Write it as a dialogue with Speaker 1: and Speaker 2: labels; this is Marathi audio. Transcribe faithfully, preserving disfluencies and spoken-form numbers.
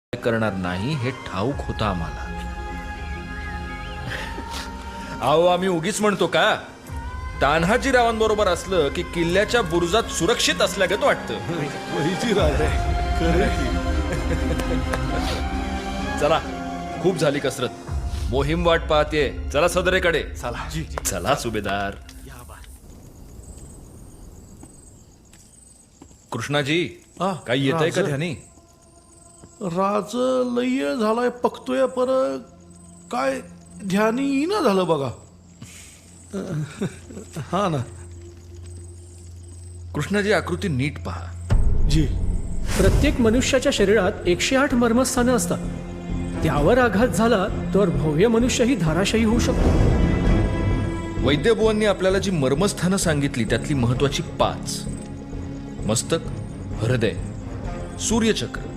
Speaker 1: करणार नाही हे ठाऊक होतं आम्हाला. अहो आम्ही उगीच म्हणतो का? तान्हाजीरावांबरोबर असलं की किल्ल्याच्या बुरुजात सुरक्षित असल्यागत वाटतं. चला खूप झाली कसरत. मोहीम वाट पाहते. चला सदरेकडे.
Speaker 2: चला
Speaker 1: चला सुभेदार. कृष्णाजी
Speaker 2: आ,
Speaker 1: काही येत आहे का
Speaker 2: राज.
Speaker 1: ध्यानी?
Speaker 2: राज लय झालाय पकतोय पर काय ध्यानी येईना झालं बघा. हा ना
Speaker 1: कृष्णाजी आकृती नीट पहा.
Speaker 2: जी.
Speaker 3: प्रत्येक मनुष्याच्या शरीरात एकशे आठ मर्मस्थानं असतात. त्यावर आघात झाला तर भव्य मनुष्यही धाराशायी होऊ शकतो.
Speaker 1: वैद्यबुवांनी आपल्याला जी मर्मस्थानं सांगितली त्यातली महत्वाची पाच: मस्तक, हृदय, सूर्यचक्र,